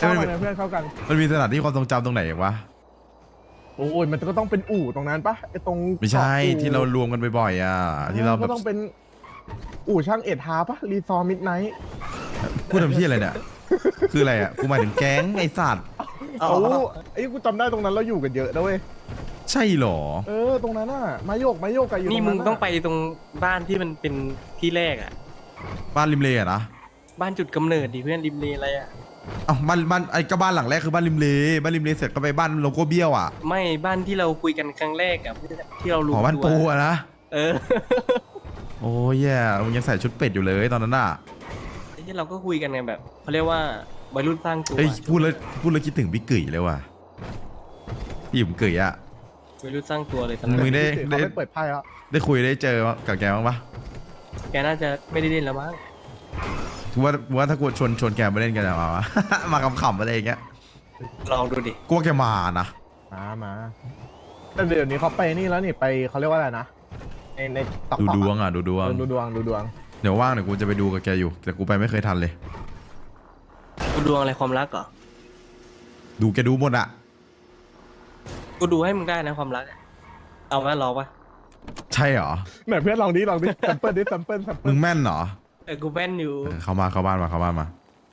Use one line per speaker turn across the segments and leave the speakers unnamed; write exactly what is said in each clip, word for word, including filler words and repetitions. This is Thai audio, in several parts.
เข้ากันนะเพื่อนเข้ากัน
มันมีสถานที่ความทรงจำตรงไหนอีกวะ
โอ้ยมันก็ต้องเป็นอู่ตรงนั้นปะไอตรง
ไม่ใช่ที่เรารวมกันบ่อยๆอ่ะที่เราแบ
ก็
บ
ต้องเป็นอู่ช่างเอ็ดฮาปะรีซอร์มิดไนท์
พูดทำที่อะไรเนี่ยคืออะไรอ่ะกูหมายถึงแก๊งไอ้สัตว์
โอ้ไอ้กูจำได้ตรงนั้นเราอยู่กันเยอะนะเว้ย
ใช่หรอ
เออตรงนั้นน่ะมาโยกมาโยกกันอยู่
นี่มึงต้องไปตรงบ้านที่มันเป็นที่แรกอ่ะ
บ้านริมเลอะนะ
บ้านจุดกำเนิดดิเพื่อนริมเลอะไรอ่ะ
เอ้าบ้านบ้านไอ้ก็บ้านหลังแรกคือบ้านริมเลบ้านริมเลเสร็จก็ไปบ้านโลโก้เบี้ยวอ่ะ
ไม่บ้านที่เราคุยกันครั้งแรกอ่ะที่เรารู้
หอบ้านปูอะนะ
เออ
โอ้ยแย่มึงยังใส่ชุดเป็ดอยู่เลยตอนนั้นอ่ะ
ไอ้ที่เราก็คุยกันไงแบบเขาเรียกว่าวัยรุ่นสร้างตัว
เฮ้ยพูดแล้วพูดแล้วคิดถึงพี่กึ๋ยเลยว่ะพี่หยุ่มกึ๋ยอ่ะ
วัยรุ่นสร้างตัวเลยตอนนั้
มึ
น
งได้
ได้เปิดไพ่แล้ว
ได้คุยได้เจอกับแกบ้างปะ
แกน่าจะไม่ได้เล่นแล้วมั้ง
กูว่ากูว่าถ้ากูชวนชวนแกมาเล่นกันจะมาวะ มาขำๆอะไรอย่างเงี้ย
ลองดูดิ
กูว่าแกมานะ
มามาแต่เดี๋ยวนี้เขาไปนี่แล้วนี่ไปเขาเรียกว่าอะไรนะในในตอก
ดู
ตอก
ดวงอ่ะดูดวง
ดูดวงดูดวง
เดี๋ยวว่างเดี๋ยวกูจะไปดูกับแกอยู่แต่กูไปไม่เคยทันเลย
กูดวงอะไรความรักเหรอ
ดูแกดูหมดอ่ะ
กูดูให้มึงได้นะความรักอะเอาไหมรอปะ
ใช่เหรอ
ไหนเพื่อนลองดิลองดิแซมเปิลดิแซมเปิลแซมเปิ
มึ
ล
งแม่นเหรอ
เออกูแม่นอยู่
เออเข้ามาเข้าบ้านมาเข้าบ้านมา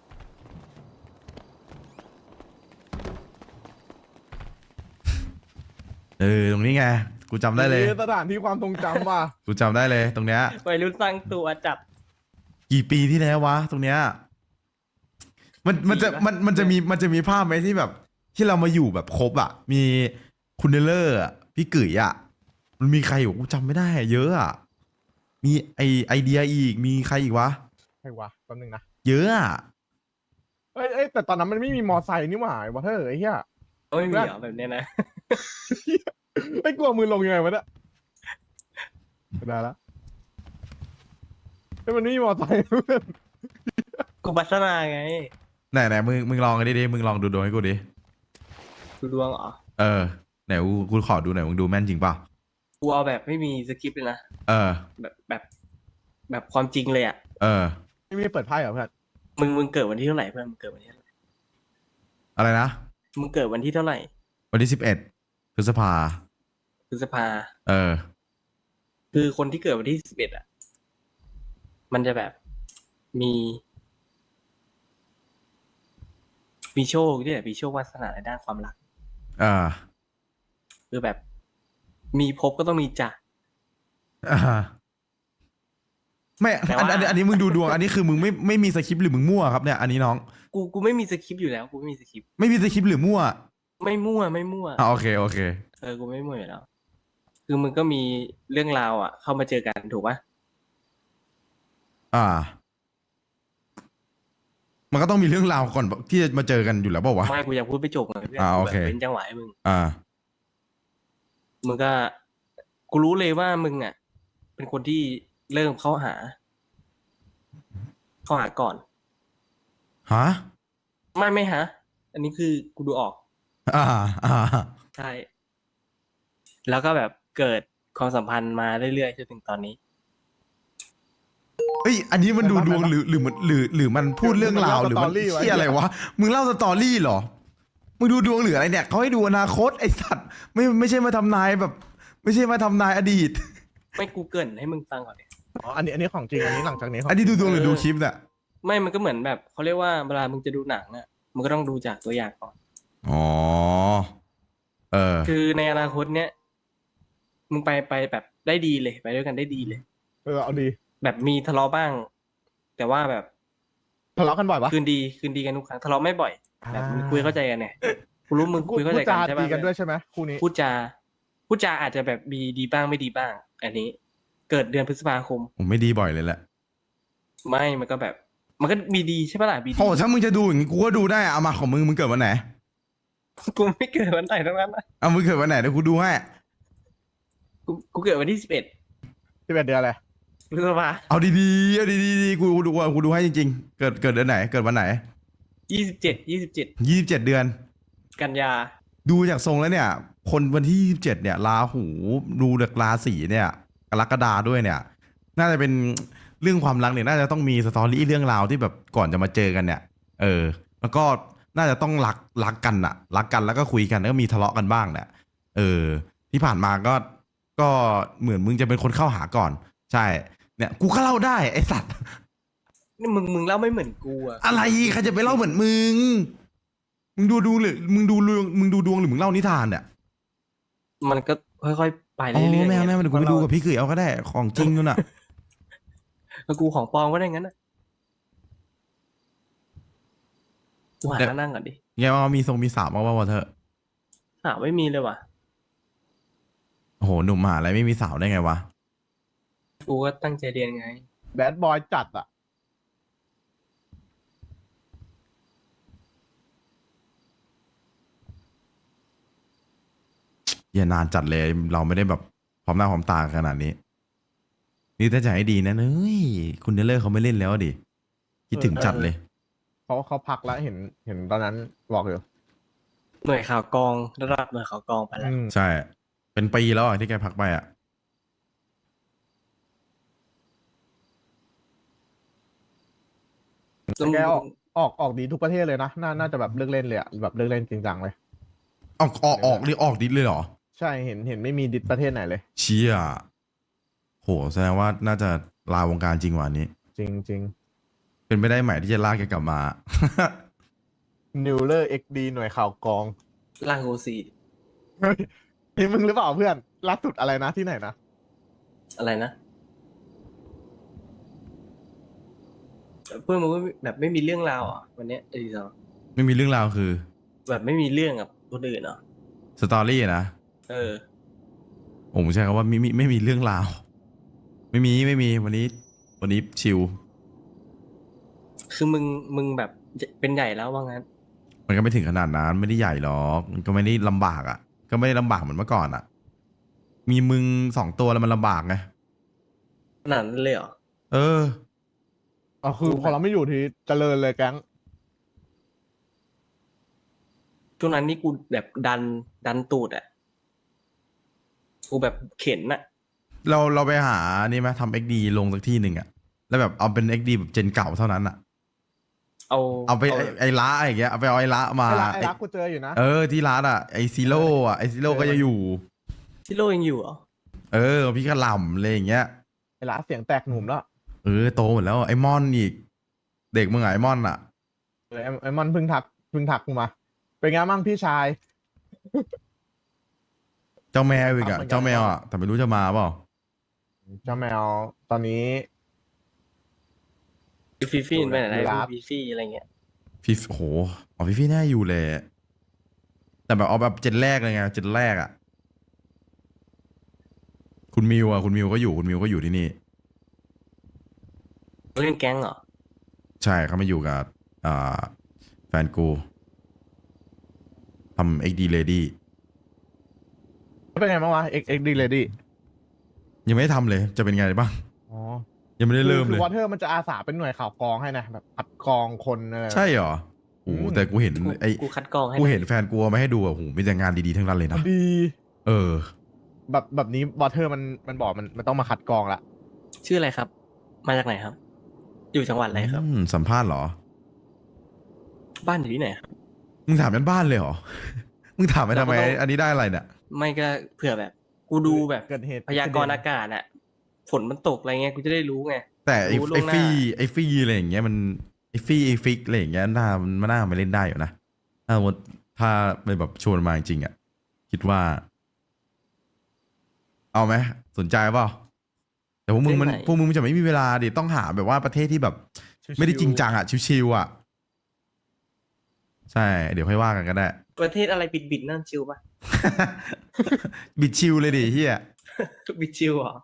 เออตรงนี้ไงกูจำได้เลย
สถานที่ความทรงจำว่ะ
กูจำได้เลยตรงเนี้ย
วัยรุ่นสร้างตัวจัด
กี่ปีที่แล้ววะตรงเนี้ยมันมันจะ
ปีปะ
มันมันจะมีมันจะมีภาพไหมที่แบบ ที่เรามาอยู่แบบครบอ่ะ มีคุณเนลเลอร์อะพี่กึ๋ยอ่ะมันมีใครอยู่กูจำไม่ได้อะเยอะอ่ะมีไอไอเดียอีกมีใครอีกวะ
ใช่วะแป๊บนึงนะ
เยอะอ่ะ
เอ้ยเอ้ยแต่ตอนนั้นมันไม่มีมอไซค์นี่หว่าไอ้วะเธอไอ้เหี้ย
โอ้ยมีเหรอแบบเนี้ยนะ
ไอ้กลัวมือลงยังไงวะเนี่ยได้ละไอ้ยมันไม่มีมอไซค์เพื่อน
กูพัฒนาไง
ไหนไหนมึงมึงลองกันดิดิมึงลองดูดวงให้กูดิ
ดูดวงเหรอ
เออไหนกูกูขอดูหน่อยมึงดูแม่นจริงเปล่า
กูเอาแบบไม่มีสคริปต์เลยนะ
เออ
แบบแบบแบบความจริงเลยอ่ะ
เออ
ไม่มีเปิดไพ่เหรอเพื่อน
มึงมึงเกิดวันที่เท่าไหร่เพื่อนมึงเกิดวันที่เท่าไหร่
อะไรนะ
มึงเกิดวันที่เท่าไหร่
วันที่สิบเอ็ดพฤษภา
พฤษภา
เออ
คือคนที่เกิดวันที่สิบเอ็ดอ่ะ มันจะแบบมี มีโชคที่แบบมีโชควาสนาในด้านความรัก
อ่า
คือแบบ มีพบก็ต้องมีจาก
อ่าไม่
แต่
อัน
ว่า
อันอันนี้มึงดูดวง อันนี้คือมึงไม่ไม่มีสคริปต์หรือมึงมั่วครับเนี่ย อันนี้น้อง
กูกูไม่มีสคริปต์อยู่แล้ว กูไม่มีสคริปต์
ไม่มีสคริปต์หรือมั่ว
ไม่มั่วไม่มั่ว
อ่าโอเคโอเค
เออ กูไม่มั่วอยู่แล้ว คือมึงก็มีเรื่องราวอ่ะ เข้ามาเจอกันถูกปะ
อ่า มันก็ต้องมีเรื่องราวก่อนที่จะมาเจอกันอยู่แล้วเปล่าวะ
ไม่กูยังพูดไม่จบเลยเพื่อน
อ่าโอเค
แบบเป็นจังหวะให้มึง
อ่า
มึงก็ กูรู้เลยว่ามึงอ่ะ เป็นคนที่เริ่มเข้าหา เข้าหาก่อน
ฮะ
ไม่ไม่ฮะ อันนี้คือกูดูออก
อ่า อ่า
ใช่ แล้วก็แบบเกิดความสัมพันธ์มาเรื่อยๆจนถึงตอนนี้
เอ้ย อันนี้มันดูดวงหรือหรือมันหรือหรือมันพูดเรื่องราวหรือมันเที่ยอะไรวะ มึงเล่าสตอรี่เหรอ มึงดูดวงหรืออะไรเนี่ยเขาให้ดูอนาคตไอสัตว์ ไม่ไม่ใช่มาทำนายแบบ ไม่ใช่มาทำนายอดีต
ไม่กูเกรินให้มึงฟังก่อนเนี่ย
อ๋ออันนี้อันนี้ของจริงอันนี้หลังจากนี้ของ
อันนี้ดูดวงหรือดูคลิปเนี่ย
ไม่มันก็เหมือนแบบเขาเรียกว่าเวลามึงจะดูหนังอ่ะมึงก็ต้องดูจากตัวอย่างก่อน
อ๋อ เออ
คือในอนาคตเนี้ยมึงไปไปแบบได้ดีเลยไปด้วยกันได้ดีเลย
เออเอาดี
แบบมีทะเลาะบ้าง แต่ว่าแบบ
ทะเลาะกันบ่อยปะ
คืนดีคืนดีกันทุกครั้งทะเลาะไม่บ่อยแบบมึงคุยเข้าใจกันเนี่ยกูรู้มึงคุยเข้าใจ
พูด
กั
จาน
ใช่
ตี
ปะ
กันด้วยใช่ไหมคู่นี้
พูดจาพูดจาอาจจะแบบมีดีบ้างไม่ดีบ้าง อันนี้ เกิดเดือนพฤษภาคม
ผมไม่ดีบ่อยเลยแหละ
ไม่มันก็แบบ มันก็มีดีใช่ปะล่ะมีดี
โอ้ถ้ามึงจะดูอย่างงี้กูก็ดูได้อะเอามาของมึงมึงเกิดวันไหน
กูไม่เกิดวันไหนทั้งนั้นนะ
เอามึงเกิดวันไหนเดี๋ยวกูดูให้
กูกูเกิดวันที่สิบเอ็ด
ที่เป็นเดือนอะไร
พฤษภา
เอาดีๆเอาดีๆกูดูกูดูให้จริงๆ เกิดเกิดเดือนไหน เกิดวันไหน
ยี่สิบเจ็ดยี่สิบเจ็ด
ยี่สิบเจ็ดเดือน
กันยา
ดูจากทรงแล้วเนี่ย คนวันที่ยี่สิบเจ็ดเนี่ยราหูดูจากราศีเนี่ยกรกฎาด้วยเนี่ย น่าจะเป็นเรื่องความรักเนี่ยน่าจะต้องมีสตอรี่เรื่องราวที่แบบก่อนจะมาเจอกันเนี่ย เออ แล้วก็น่าจะต้องรักรักกันอะรักกันแล้วก็คุยกันแล้วก็มีทะเลาะกันบ้างแหละเออ ที่ผ่านมาก็ก็เหมือนมึงจะเป็นคนเข้าหาก่อน ใช่ เนี่ยกูก็เล่าได้ไอสัตว์
นี่มึงมึงเล่าไม่เหมือนกูอะ
อะไรใครจะไปเล่าเหมือนมึง มึงดูดูหรือมึงดูดวงมึงดูดวงหรือมึงเล่านิทานเนี่ย
มันก็ค่อยๆไป
อ๋
เรื่
อ
อยๆ
แม่
ไง
แม่เดี๋ยวกูไปดูกับพี่เขยเอาก็ได้ของจริงนู่นน่ะ
แล้วกูของปลอมก็ได้งั้นนะกูหา
เดี๋ยว
มานั่งก่อนดิ
ไงว่ามีทรงมีสามมาว่าเธอ
หาไม่มีเลยว่ะ
โอ้โหหนุ่มมหาอะไรไม่มีสาวได้ไงวะ
กูก็ตั้งใจเรียนไง
แบดบอยจัดอ่ะ
อย่านานจัดเลยเราไม่ได้แบบพร้อมหน้าพร้อมตาขนาดนี้ นี่ถ้าจะให้ดีนะเน้ยคุณเนลเลอร์เขาไม่เล่นแล้วดิคิดถึงจัดเลย
เขาเขาพักแล้วเห็นเห็นตอนนั้นบอกอยู่
หน่วยข่าวกองระดับหน่วยข่าวกองไปแล้ว
อืม
ใช่ เป็นปีแล้วอ่ะที่แกพักไปอ่ะ
แต่แกออกออกออกดีทุกประเทศเลยนะน่าน่าจะแบบเลิกเล่นเลยอะแบบเลิกเล่นจริงจังเลย
ออกออกออกหรือออกดิสเลยเหรอ
ใช่เห็นเห็นไม่มีดิสประเทศไหนเลย
เชี่ยโหแสดงว่าน่าจะลาวงการจริงวันนี้
จริงจริง
เป็นไปได้ไหมที่จะลากแกกลับมา
นิวเลอร์เอ็กดีหน่วยข่าวกอง
ล่างโอซี
เฮ้ยนี่มึงหรือเปล่าเพื่อนล่าสุดอะไรนะที่ไหนนะ
อะไรนะ เพื่อนมึงก็แบบไม่มีเรื่องราวอ่ะวันเนี้ยไอ้ดีสอง
ไม่มีเรื่องราวคือ
แบบไม่มีเรื่องกับคนอื่นเหรอ
สตอรี่นะ
เออ
ผมใช้คำว่าไม่มีไม่มีเรื่องราว ไม่มีไม่มีวันนี้ วันนี้ชิล
คือมึงมึงแบบเป็นใหญ่แล้วว่างั้น
มันก็ไม่ถึงขนาดนั้นไม่ได้ใหญ่หรอกมันก็ไม่ได้ลำบากอ่ะ ก็ไม่ได้ลำบากเหมือนเมื่อก่อนอ่ะ มีมึงสองตัวแล้วมันลำบากไง
ขนาดนั้นเลยเหรอ
เออ
อ๋อคือพอเราไม่อยู่ที่เจริญเลยแก๊ง
ช่วงนั้นนี่กูแบบดันดันตูดอ่ะ กูแบบเข็นอ่ะ
เราเราไปหานี่ไหมทำเอ็กดีลงสักที่หนึ่งอ่ะ แล้วแบบเอาเป็นเอ็กดีแบบเจนเก่าเท่านั้นอ่ะ
เอา
เอาไปไอ้ไอ้ละอะไรอย่างเงี้ย เอาไปเอาไอ้ละมา
ไอ้รักไอ้รักกูเจออยู่นะ
เออที่ร้านอ่ะไอซีโร่อ่ะไอซีโร่ก็จะอยู่
ที่โลยังอยู่เหรอ
เออพี่กระหล่ำอะไรอย่างเงี้ย
ไอ้รักเสียงแตกหนุ่มแล้ว
เออโตหมดแล้วไอมอนอีก เด็กมึงไงไอมอนอ่ะ
เออไอ้ไอ้มันเพิ่งทักเพิ่งทักกูมา เป็นไงบ้างพี่ชาย
เจ้าแมวอีกอ่ะ
ครับเหมือนกัน
เจ้าแมวอ่ะแต่ไม่รู้จะมาเปล่า
เจ้าแมวตอนนี้
ฟีฟี่ไปไหน
อยู่ร้าน
ฟีฟี่อะไรเงี้ย
พี่โอ้โหอ๋อพี่พี่แน่าอยู่เลย แต่แบบเอาแบบเจนแรกเลยไงเจนแรกอ่ะ คุณมิวอ่ะคุณมิวก็อยู่คุณมิวก็อยู่ที่นี่
เล่นแก๊งเหรอ
ใช่เขามาอยู่กับอ่าแฟนกูทำเอ็กดีเลดี้
เป็นไงบ้างวะ X X D Lady
ยังไม่ได้ทำเลยจะเป็นไงบ้าง
อ๋อ
ยังไม่ได้เริ่ม
คื
เล
อย วอเทอร์มันจะอาสาเป็นหน่วยข่าวกรองให้นะแบบคัดกรองคนอะไร
ใช่เหรอโอ้โห
อืม
แต่กูเห็น
กู
ไอ้
กูคัดกรองให้
กูเห็นแฟนกูเอามาให้ดูอ่ะโอ้โหมีแต่งานดีๆทั้งนั้นเลยนะ
ดี
เออ
แบบแบบนี้วอเทอร์มันมันบอกมันมันต้องมาคัดกรองละ
ชื่ออะไรครับ มาจากไหนครับ อยู่จังหวัดอะไรครับ
อืมสัมภาษณ์เหรอ
บ้านอยู่ที่ไหนครับ
มึงถามยันบ้านเลยเหรอ มึงถามไปทำไม
เราก็ต้อง
อันนี้ได้อะไรเนี่ย
ไม่ก็เผื่อแบบ กูดูแบบ
เกิดเหตุ
พยากรณ์อากาศอะฝนมันตกอะไรเงี้ยกูจะได้รู้ไง
แต่ไอ้
รู้ล่ว
ไอ้
งหน้า
ฟี่ไอ้ฟี่อะไรอย่างเงี้ยมันไอ้ฟี่ไอ้ฟิกอะไรอย่างเงี้ยน่ามันน่ามาเล่นได้อยู่นะถ้าสมมติถ้าไปแบบชวนมาจริงๆอ่ะคิดว่า เอาไหมสนใจเปล่าแต่พวกมึงมันพวกมึงมันจะไม่มีเวลาดิต้องหาแบบว่าประเทศที่แบบ ไม่ได้จริงจังอ่ะชิวๆอ่ะ ใช่ เดี๋ยวค่อยว่ากันก็ได้
ประเทศอะไรบิดบิดๆนั่นชิวปะ
บิดชิวเลยดิเฮีย
บิดชิวเหรอ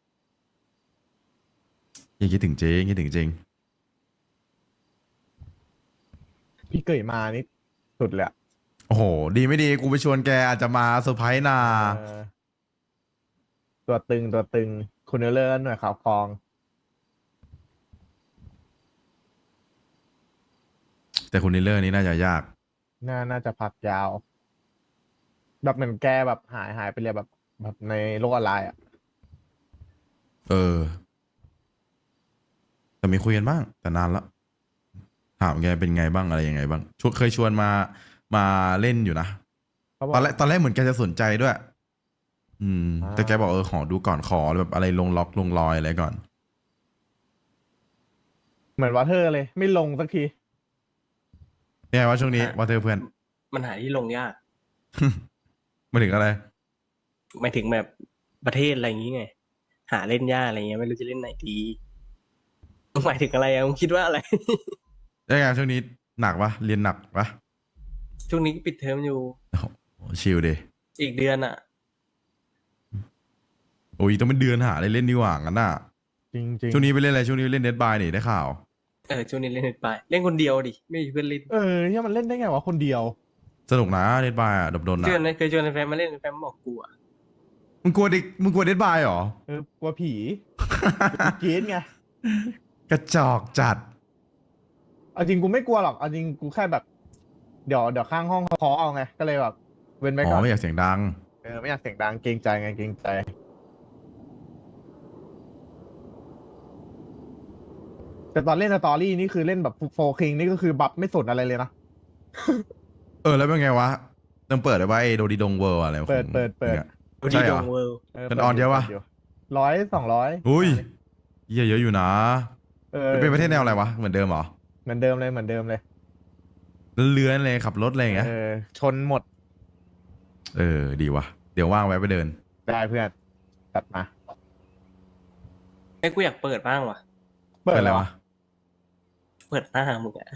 ยังคิดถึงเจ๊ยังคิดถึงจริง
พี่เกยมานี่สุดเลยอะ
โอ้โห ดีไม่ดีกูไปชวนแกอาจจะมาเซอร์ไพรส์นา
เออตัวตึงตัวตึงคุณเนลเลอร์หน่วยข่าวกรอง
แต่คุณนิลเลอร์นี่น่าจะยาก
น่าน่าจะพักยาว แบบเหมือนแกแบบหายหายไปเลยแบบแบบในโลกออนไลน์อ่ะ
เออ แต่มีคุยกันบ้าง แต่นานละถามแกเป็นไงบ้างอะไรยังไงบ้างชวนเคยชวนมามาเล่นอยู่นะ
เขาบอ
ต
ก
อนแรกตอนแรกเหมือนแกจะสนใจด้วย อืม
อ่า
แต่แกบอกเออขอดูก่อนขอแบบอะไรลงล็อกลงรอยอะไรก่อน
เหมือนวอเทอร์เลย ไม่ลงสักที
เป็นไงวะช่วงนี้ว่าเธอเพื่อน
มันหาที่ลงยาก
มาถึงอะไร
หมายถึงแบบประเทศอะไรอย่างงี้ไง หาเล่นยากอะไรเงี้ยไม่รู้จะเล่นไหนดีมึงหมายถึงอะไรอะมึงคิดว่าอะไร
ยังไงช่วงนี้หนักปะเรียนหนักปะ
ช่วงนี้ก็ปิดเทอมอยู่
โอ้โหชิลดิ
อีกเดือนอ่ะ
โอ้ยต้องเป็นเดือนหาอะไรเล่นดีกว่างั้นน่ะ
จริงจริง
ช่วงนี้ไปเล่นอะไรช่วงนี้ไปเล่นเดดบายนี่ได้ข่าว
เออช่วงนี้เล่นเน็ตไปเล่นคนเดียวดิไม่มีเพื่อนเล่น
เออที่มันเล่นได้ไงวะคนเดียว
สนุกนะเดดบายอ่ะดบดน
เชวน
อ่ะ
เคยชวนแฟนมาเล่นแฟนบอกกูอ่ะ
มึงกลัวเด็กมึงกลัวเดดบายเหรอ
เออกลัวผี กรีดไง
กระจอกจัด
เอาจริงกูไม่กลัวหรอกเอาจริงกูแค่แบบ เดี๋ยวเดี๋ยวข้างห้องเขาเคาะเอาไง ก็เลยแบบ เว้นไว้
อ๋
ก่อ
อน ไม่อยากเสียงดัง
เออไม่อยากเสียงดังเกรงใจไงเกรงใจ แต่ตอนเล่นสตอรี่นี่คือเล่นแบบโฟคิงนี่ก็คือบัฟไม่สนอะไรเลยนะ
เออแล้วเป็นไงวะต้องเปิดได้ว่าไอ้โดดีดงเวิร์อะไรของ
เปิดเปิดเปิด
นี่ย
ดู
ใช่
ดี
เหร
ด
อ
งเวิลด์
มันออนเยอะปะ
ร้อยสองร้อย
อุ้ยเหี้ยเยอะอยู่นะ
เออ
เป็นประเทศแนวอะไรวะเหมือนเดิมเหรอ
เหมือนเดิมเลยเหมือนเดิมเลย
เลื้อนๆเลยขับรถอะไรอย่างเงี้ย
เออชนหมด
เออดีวะเดี๋ยวว่างแวะไปเดิน
ได้เพื่อนตัดมา
ไอ้กูอยากเปิดบ้างว่ะ
เปิด
เป็น
อะไร
ไร
วะ
วะ
เปิดหน้ามึงอ่ะ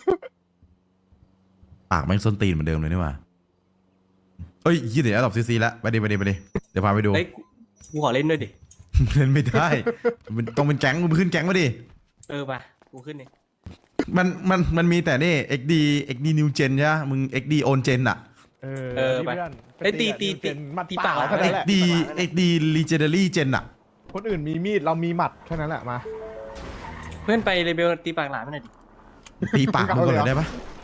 ปากแม่งส้นตีนเหมือนเดิมเลยนี่หว่าเอ้ยยี่เดี๋ยวตอบซีซีแล้วไปดิไปดิไปดิเดี๋ยวพาไปดู
เฮ้ยกูกูขอเล่นด้วยดิ
เล่นไม่ได้มันต้องเป็นแก๊งมึงขึ้นแก๊งมาดิ
เออป่ะกูขึ้นนี่
มันมันมันมีแต่นี่ เอ็ก ดี เอ็ก ดี New Gen ใช่ไหมมึง เอ็ก ดี Old Gen อะ
เออ
เออ
ที่
ไป
เพื่อน
เอ้ยตีตี
กับ
ตี
นิวเจนมัด
ตี
เป
ปาก
ล่าแค่นั้นแหละ
XD XD Legendary Gen อะ
คนอื่นมีมีดเรามีหมัดแค่นั้นแหละมา
เพื่อนไปเลเบลตีปากหลานไปหน่อยดิ
ตีปากมึงก่อน
เอาเลยเหรอ
ได้ปะ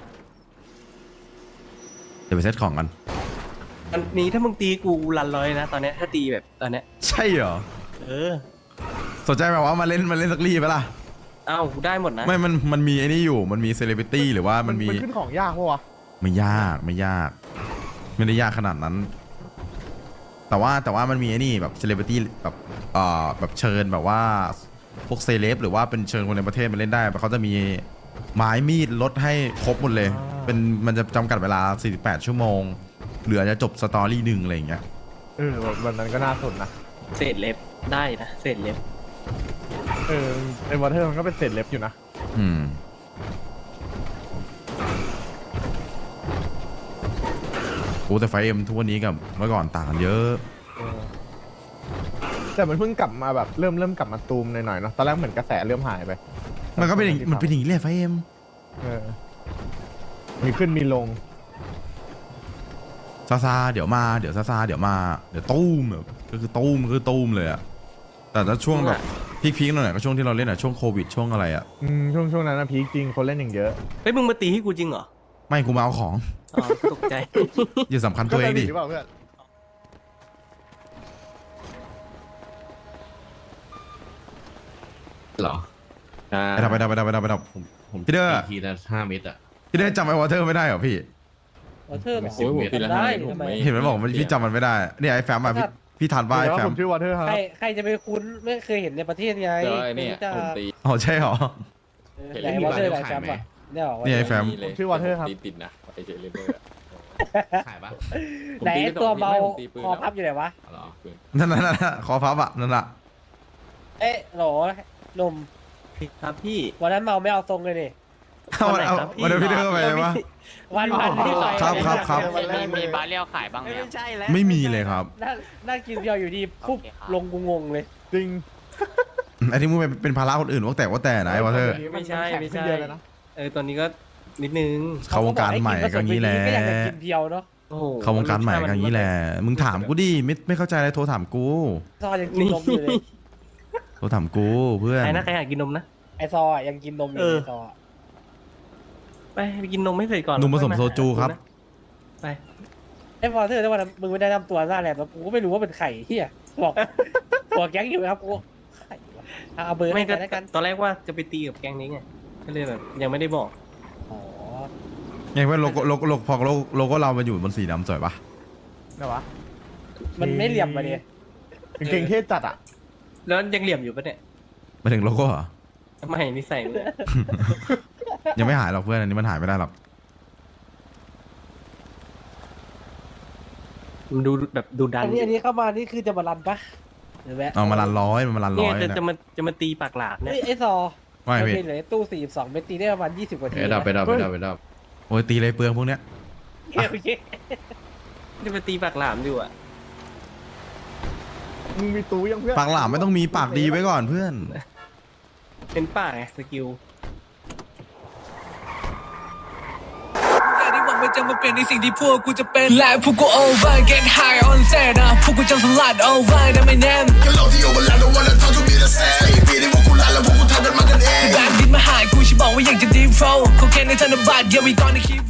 เดี๋ยวไปเซตของกัน
อันนี้ถ้ามึงตีกูรันร้อยนะตอนเนี้ยถ้าตีแบบตอนเนี้ย
ใช่เหรอ
เออ
สนใจแบบว่ามาเล่นมาเล่นสักรีปะล่ะ
เอ้ากูได้หมดนะ
ไม่ มัน มันมีไอ้นี่อยู่ มันมีเซเลบริตี้หรือว่ามันมี
มันขึ้นของยากปะวะ
ไม่ยาก ไม่ยาก ไม่ได้ยากขนาดนั้น แต่ว่า แต่ว่ามันมีไอ้นี่แบบเซเลบริตี้แบบเอ่อแบบเชิญแบบว่า พวกเซเลบหรือว่าเป็นเชิญคนในประเทศมาเล่นได้เขาจะมีไม้มีดลดให้ครบหมดเลย เป็น มันจะจำกัดเวลา สี่สิบแปด ชั่วโมง เหลือจะจบสตอรี่หนึ่งอะไรอย่างเงี้ย
เออแบบวันนั้นก็น่าสนนะ
เศษเล็บได้นะเศษเล็บ
เออไอ้วอเทอร์มันก็เป็นเศษเล็บอยู่นะ
อืม โอ้แต่ไฟเอ็มทุกวันนี้กับเมื่อก่อนต่างกันเยอะ
เออแต่มันเพิ่งกลับมาแบบเริ่มเริ่มกลับมาตูมหน่อยๆเนาะตอนแรกเหมือนกระแสเริ่มหายไป
มันก็เป็นอย่างมันเป็นอย่างนี้แหละไฟเอ็ม
เออมีขึ้นมีลง
ซาซาเดี๋ยวมาเดี๋ยวซาซาเดี๋ยวมาเดี๋ยวตู้มแบบก็คือตู้มคือตู้มเลยอะแต่ถ้าช่วงแบบพีคๆหน่อยก็ช่วงที่เราเล่นอะช่วงโควิดช่วงอะไรอะ
อืมช่วงช่วงนั้นนะพีคจริงคนเล่นอย่างเยอะ
เฮ้ยมึงมาตีให้กูจริงเหรอ
ไม่กูมาเอาของ
อ๋อตกใจ
อย่าสำคัญตัวเองดิ
ก็สนิทหรือเปล่าเพื่อน
เหรออ่า
ไปดับไปดับไปดับไปดับไปดับ
ผมผม
พี่เด้อ
ตีทีละห้าเมตรอ่ะ
พี่ได้จำไอ้วอเตอร์ไม่ได้เหรอพี่
วอเทอร์เหรอ
โอ้ยผมปีละห้า
ได้
เมตรผม
ทำไม
ไม่
เห็นมันบอกว่าพี่จำมันไม่ได้เนี่ยไอ้แฟมอะพี่พี่ทันว่าไอ้
เดี๋ยว
แฟ
ผม มชื่อวอเทอร์ครับ
ใครใครจะไปคุ้นไม่เคยเห็นในประเทศไง
เจอไอ้เนี่ย
ไม่รู้จัก
ผมตี
อ๋อใช่เหรอ
เออ
เห็น
ไหน
แล้วมี
วอเทอร์
ร้าน
ไหน
ขาย
แฟม
ไหม
อ่ะเนี่ยเหรอ
เนี่ยไอ้แฟม
เลย
ชื่อ Water ครับ
ตีติดนะไอเจเลเบอร์ขายปะ
ไหนไอ้ตัวเบา
ผมตีปืน
คอพับอยู่ไหนวะ
เหรอปืน
นั่นนั่นนั่นคอพับอะนั่นอะ
เอ๊ะโหลหนุ่ม
ครับพี่
วันนั้นเมาไม่เอาทรงเลยนี่
เอาเอา
ครับพี่
วันเดียวพี่เด้อไปวะ
วันวันที่ไป
ครับครับครับ
มีมีบาเรียวขายบ้างไหม
ไม่
ครับ
ใช่แล้ว
ไม่มีเลยครับ
นั่งนั่งกินเบียร์อยู่ดีปุ๊บ
โอเคครับ
ลงกูงงเลย
จริง
ไอ้ที่มึงเป็นเป็นภาระคนอื่นว่าแต่ว่าแต่นะไอ้วอเตอร์
ไม่ใช่ไม่ใช่
นแข็งขึ้นเยอะเลยนะ
เออตอนนี้ก็นิดนึง
เข้าวงการใหม่ก็อย่างนี้แหละ
ก็อยากจะกินเพียวเนาะ
โอ้โห
เข้าวงการใหม่ก็อย่างนี้แหละ มึงถามกูดิไม่ไม่เข้าใจอะไรโทรถามกู
ซอยังกินนมอยู่เลย
โทรถามกูเพื่อน
ใครนะใครอยากกินนมนะ
ไอซออะยังกินนมอยู่
เออ
ไอซออะ
ไปไปกินนมให้เสร็จก่อน
นมผสม
ค่อยา
โซจูครับ
ไป
ไอวอเทอร์แต่วันนั้นมึงไม่ได้นำตัวหน้าแหลมแล้วกูก็ไม่รู้ว่าเป็นไข่เฮียบอกบอกแก๊งอยู่ครับกูไข่วะเอาเบอร์
ไม่
ให้
ก็
กันแล้วกัน
ตอนแรกว่าจะไปตีกับแก๊งนี้ไงก็เลยแบบยังไม่ได้บอก
อ๋อ
ไงเพื่อนโลโก้โลโก้โลโก้พอโลโก้โลโก้เรามันอยู่บนสีดำสวยปะ
ไหนวะ
มันไม่เหลี่ยมมาดิ
กางเกงเทศจัดอ่ะ
แล้วยังเหลี่ยมอยู่ปะเนี่ย
มาถึงโลโก้เหรอ
ไม่นิสัยมึงอะ
ยังไม่หายหรอกเพื่อนอันนี้มันหายไม่ได้หรอก
มันดูแบบดูดัน
อันนี้อันนี้เข้ามานี่คือจะมารันปะหรือแวะ
เอามาลันร้อยมันมาลัน
เนี่
ร้
ย
อย
จะ
เนี่ย
จะมาจะมาตีปากหลาบเนี่ย
เฮ้ยไอ้ซอ
ไม่
มัน
พี่
มีเหลือตู้สี่สิบสองเมตรตีได้ประมาณยี่สิบกว่าที
ไปดับไปดับไปดับไปดับ
โอ้ยตีเลยเปลืองพวกเนี้ย
โอเคโอเค
จะมาตีปากหลามอยู่อ่ะ
มึงมีตู้ยังเพื่อน
ปากหลามไม่ต้องมีปากดีไว้ก่อนเพื่อน
เป็นปากไงสกิล
อย่าได้หวังว่าจะมาเปลี่ยนในสิ่งที่พวกกูจะเป็นและพวกกู over get high on set นะพวกกูจะสลัด over นะไม่แน่ก็เราที่ over แล้ว don't wanna talk to me the same สี่ปีที่พวกกูลาแล้วพวกกูทำกันมากันเองแบงค์ดินมาหายกูฉันบอกว่าอยากจะ deep flow เขาแค่ในธนบัตร yeah we gonna keep